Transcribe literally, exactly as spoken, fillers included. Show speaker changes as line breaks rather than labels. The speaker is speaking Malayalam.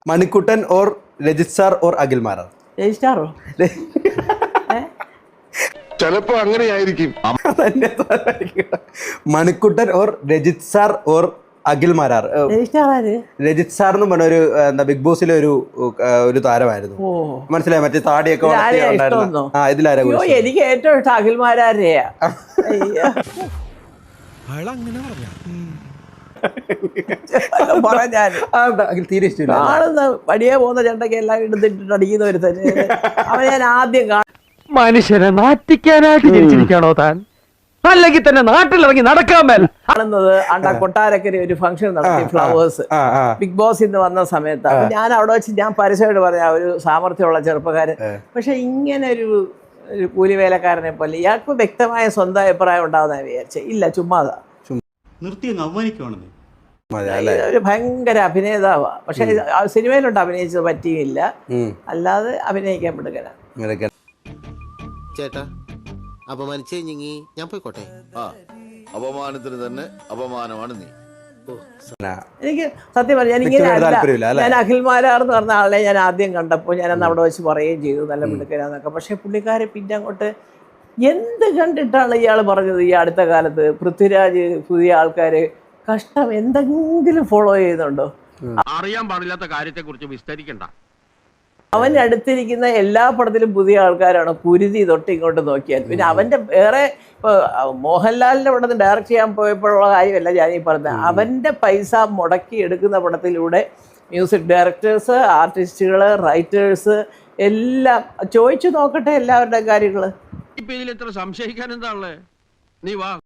Manikuttan or Rajith sir or Akhil Marar?
രജിസ്റ്റാറോ?
ചിലപ്പോ അങ്ങനെയായിരിക്കും.
Manikkuttan or Rajith sir or Akhil Marar? Rajith sir എന്ന് പറഞ്ഞ ഒരു എന്താ ബിഗ് ബോസിലെ ഒരു ഒരു താരമായിരുന്നു. മനസ്സിലായി, മറ്റേ താടിയൊക്കെ ഉണ്ടായിരുന്നു. ആ, ഇതിലാരാ?
എനിക്ക് ഏറ്റവും ഇഷ്ടം അഖിൽ മാരാരെയാ.
തീരെ ഇഷ്ടമില്ല.
ആണെന്ന് വടിയെ പോകുന്ന ചെണ്ടയ്ക്ക് എല്ലാം എടുത്തിട്ട് അടിക്കുന്ന ഒരു തന്നെ അവൻ ഞാൻ ആദ്യം കാണും.
മനുഷ്യരെ നാറ്റിക്കാനായിട്ട് ജനിച്ചിരിക്കാണോ താൻ? അല്ലെങ്കിൽ തന്നെ നാട്ടിലിറങ്ങി നടക്കാൻ മേൽ
കാണുന്നത് അണ്ട കൊട്ടാരക്കര ഒരു ഫംഗ്ഷൻ നടത്തി, ഫ്ലവേഴ്സ് ബിഗ് ബോസ് ഇന്ന് വന്ന സമയത്ത്. അപ്പൊ ഞാൻ അവിടെ വെച്ച് ഞാൻ പരസ്യമായിട്ട് പറഞ്ഞ ഒരു സാമർഥ്യമുള്ള ചെറുപ്പക്കാരൻ, പക്ഷെ ഇങ്ങനെ ഒരു ഒരു കൂലിവേലക്കാരനെ പോലെ ഇയാൾക്ക് വ്യക്തമായ സ്വന്തം അഭിപ്രായം ഉണ്ടാവുന്ന വിചാരിച്ചേ ഇല്ല, ചുമ്മാതാ ഒരു ഭയങ്കര അഭിനേതാവാ. പക്ഷെ സിനിമയിലുണ്ട് അഭിനയിച്ചത് പറ്റിയില്ല, അല്ലാതെ അഭിനയിക്കാൻ പെടുകയാണ്.
ചേട്ടാ അപമാനിച്ചേ ഞാൻ പോയിക്കോട്ടെ.
ആ അപമാനത്തിന് തന്നെ അപമാനമാണ് നീ.
എനിക്ക് സത്യം പറഞ്ഞാൽ ഞാൻ ഇങ്ങനെ അല്ല, ഞാൻ അഖിൽ മാരാർ എന്ന് പറഞ്ഞ ആളെ ഞാൻ ആദ്യം കണ്ടപ്പോൾ ഞാൻ അന്ന് അവിടെ വെച്ച് പറയുകയും ചെയ്തു നല്ല മിടുക്കരാന്നൊക്കെ. പക്ഷെ പുള്ളിക്കാരെ പിന്നെ അങ്ങോട്ട് എന്ത് കണ്ടിട്ടാണ് ഇയാൾ പറഞ്ഞത് ഈ അടുത്ത കാലത്ത് പൃഥ്വിരാജ് പുതിയ ആൾക്കാര് കഷ്ടം എന്തെങ്കിലും ഫോളോ ചെയ്യുന്നുണ്ടോ?
അറിയാൻ പാടില്ലാത്ത കാര്യത്തെ കുറിച്ച് വിസ്തരിക്കണ്ട.
അവൻ്റെ അടുത്തിരിക്കുന്ന എല്ലാ പടത്തിലും പുതിയ ആൾക്കാരാണ്, കുരുതി തൊട്ട് ഇങ്ങോട്ട് നോക്കിയാൽ. പിന്നെ അവൻ്റെ വേറെ ഇപ്പോൾ മോഹൻലാലിൻ്റെ പടത്തിൽ ഡയറക്റ്റ് ചെയ്യാൻ പോയപ്പോഴുള്ള കാര്യമല്ല ഞാൻ ഈ പറഞ്ഞത്. അവൻ്റെ പൈസ മുടക്കി എടുക്കുന്ന പടത്തിലൂടെ മ്യൂസിക് ഡയറക്ടേഴ്സ്, ആർട്ടിസ്റ്റുകൾ, റൈറ്റേഴ്സ് എല്ലാം ചോദിച്ചു നോക്കട്ടെ എല്ലാവരുടെയും കാര്യങ്ങൾ.
ഇപ്പൊ ഇതിൽ എത്ര സംശയിക്കാൻ എന്താ ഉള്ളത്? നീ വാ.